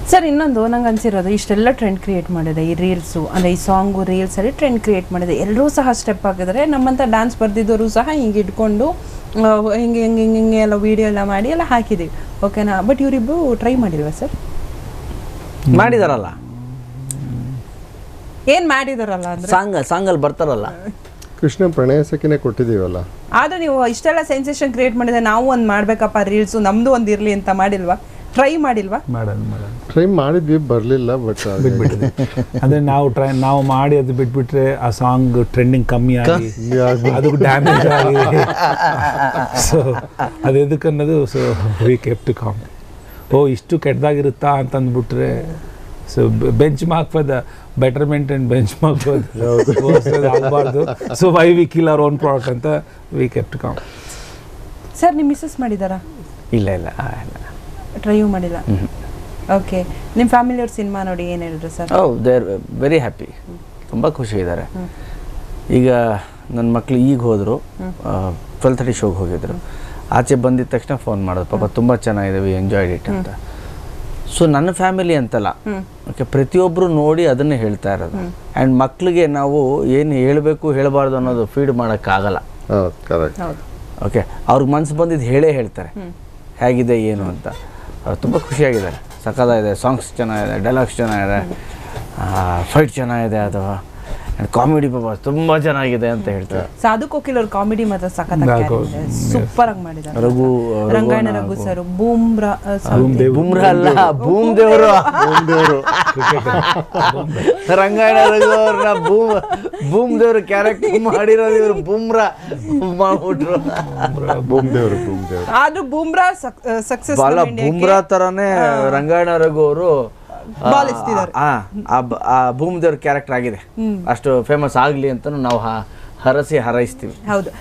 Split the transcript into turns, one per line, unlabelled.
Sir ಇನ್ನೊಂದು ನಂಗೆ ಅನ್ಸಿರೋದು ಇಷ್ಟೆಲ್ಲ ಟ್ರೆಂಡ್ ಕ್ರಿಯೇಟ್ ಮಾಡಿದೆ ಈ ರೀಲ್ಸು ಅಂದರೆ ಈ ಸಾಂಗು ರೀಲ್ಸಲ್ಲಿ ಟ್ರೆಂಡ್ ಕ್ರಿಯೇಟ್ ಮಾಡಿದೆ, ಎಲ್ಲರೂ ಸಹ ಸ್ಟೆಪ್ ಹಾಕಿದರೆ ನಮ್ಮಂಥ ಡ್ಯಾನ್ಸ್ ಬರ್ದಿದ್ದವರು ಸಹ ಹಿಂಗೆ ಇಟ್ಕೊಂಡು ಹಿಂಗೆ ಹಿಂಗೆ ಹಿಂಗೆ ಹಿಂಗೆ ಎಲ್ಲ ವೀಡಿಯೋ ಎಲ್ಲ ಮಾಡಿ ಎಲ್ಲ ಹಾಕಿದ್ದೀವಿ, ಓಕೆನಾ? ಬಟ್ ಇವರಿಬ್ಬರು ಟ್ರೈ ಮಾಡಿಲ್ವಾ ಸರ್?
ಮಾಡಿದಾರಲ್ಲ,
ಏನು ಮಾಡಿದಾರಲ್ಲ ಅಂದರೆ
ಸಾಂಗಲ್ಲಿ ಬರ್ತಾರಲ್ಲ.
ಕೃಷ್ಣ ಪ್ರಣಯ ಸಖಿನೇ ಕೊಟ್ಟಿದ್ದೀವಲ್ಲ.
ಆದರೆ ನೀವು ಇಷ್ಟೆಲ್ಲ ಸೆನ್ಸೇಷನ್ ಕ್ರಿಯೇಟ್ ಮಾಡಿದೆ, ನಾವು ಒಂದು ಮಾಡಬೇಕಪ್ಪ ರೀಲ್ಸು ನಮ್ಮದು ಒಂದು ಇರಲಿ ಅಂತ ಮಾಡಿಲ್ವಾ? ಟ್ರೈ ಮಾಡಿಲ್ವಾ?
ಟ್ರೈ ಮಾಡಿದ್ವಿ, ಬರಲಿಲ್ಲ. ಬಟ್
ಬಿಟ್ಬಿಟ್ಟಿದೆ ಅಂದರೆ ನಾವು ಮಾಡಿ ಅದು ಬಿಟ್ಬಿಟ್ರೆ ಆ ಸಾಂಗ್ ಟ್ರೆಂಡಿಂಗ್ ಕಮ್ಮಿ ಆಗಿ ಅದಕ್ಕೆ ಡ್ಯಾಮೇಜ್ ಆಗಿ ಸೊ ಅದು ಎದಕ್ಕೆ ಅನ್ನೋದು. So we kept to calm. ಇಷ್ಟು ಕೆಟ್ಟದಾಗಿರುತ್ತಾ ಅಂತ ಅಂದ್ಬಿಟ್ರೆ so benchmark for the betterment and benchmark for ಆಗಬಾರ್ದು. So why we kill our own product ಅಂತ we kept to calm.
Sir ನಿಮ್ಮ ಮಿಸ್ಸಸ್ ಮಾಡಿದ್ದಾರಾ?
ಇಲ್ಲ
ಟ್ರೈಯೂ ಮಾಡಿಲ್ಲ. ಓಕೆ, ನಿಮ್ಮ ಫ್ಯಾಮಿಲಿಯವ್ರ ಸಿನಿಮಾ ನೋಡಿ ಏನು ಹೇಳಿದ್ರು sir?
They are very happy, ತುಂಬ ಖುಷಿಯಿದ್ದಾರೆ. ಈಗ ನನ್ನ ಮಕ್ಕಳು ಈಗ ಹೋದರು, 12:30 ಶೋಗೆ ಹೋಗಿದ್ರು. ಆಚೆ ಬಂದಿದ್ದ ತಕ್ಷಣ ಫೋನ್ ಮಾಡೋದು, ಪಾಪ ತುಂಬ ಚೆನ್ನಾಗಿದೆ, ವಿ ಎಂಜಾಯ್ಡ್ ಇಟ್ ಅಂತ. ಸೊ ನನ್ನ ಫ್ಯಾಮಿಲಿ ಅಂತಲ್ಲ, ಓಕೆ, ಪ್ರತಿಯೊಬ್ಬರು ನೋಡಿ ಅದನ್ನೇ ಹೇಳ್ತಾ ಇರೋದು. ಆ್ಯಂಡ್ ಮಕ್ಕಳಿಗೆ ನಾವು ಏನು ಹೇಳಬೇಕು ಹೇಳಬಾರ್ದು ಅನ್ನೋದು ಫೀಡ್ ಮಾಡೋಕ್ಕಾಗಲ್ಲ.
ಕರೆಕ್ಟ್.
ಓಕೆ, ಅವ್ರಿಗೆ ಮನಸ್ಸು ಬಂದಿದ್ದು ಹೇಳ್ತಾರೆ ಹೇಗಿದೆ ಏನು ಅಂತ. ತುಂಬ ಖುಷಿಯಾಗಿದ್ದಾರೆ, ಸಖತ್ತಾಗಿದೆ, ಸಾಂಗ್ಸ್ ಚೆನ್ನಾಗಿದೆ, ಡೈಲಾಗ್ಸ್ ಚೆನ್ನಾಗಿದೆ, ಫೈಟ್ ಚೆನ್ನಾಗಿದೆ, ಅಥವಾ ಕಾಮಿಡಿ ಪಾಪ ತುಂಬ ಚೆನ್ನಾಗಿದೆ ಅಂತ ಹೇಳ್ತಾರೆ.
ಸಾಧು ಕೋಕಿಲ್ ಅವ್ರ ಕಾಮಿಡಿ ಮಾತ್ರ ಸಖತ್ತಾಗಿ ಸೂಪರ್ ಆಗಿ ಮಾಡಿದ್ದಾರೆ. ರಂಗಾಯಣ ರಘು ಸರ್, ಬೂಮ್ರಾ
ಅಲ್ಲ, ಭೂಮ್ ದೇವರು ರಂಗಾಯಣ ರಘು ಅವ್ರನ್ನ ಭೂಮ್ ದೇವ್ರ ಕ್ಯಾರೆಕ್ಟರ್ ಮಾಡಿರೋದು ಇವರು ಬೂಮ್ರಾ ಮಾಡ್ಬಿಟ್ರು.
ಆದ್ರೂ ಬೂಮ್ರಾ ಸಕ್ಸಸ್
ಅಲ್ಲ, ಬೂಮ್ರಾ ತರಾನೇ ರಂಗಾಯಣ ರಘು ಅವರು ಭೂಮ್ ದೇವ್ರ ಕ್ಯಾರೆಕ್ಟರ್ ಆಗಿದೆ. ಅಷ್ಟು ಫೇಮಸ್ ಆಗಲಿ ಅಂತ ನಾವು ಹರಸಿ ಹಾರೈಸ್ತೀವಿ.
ಹೌದು.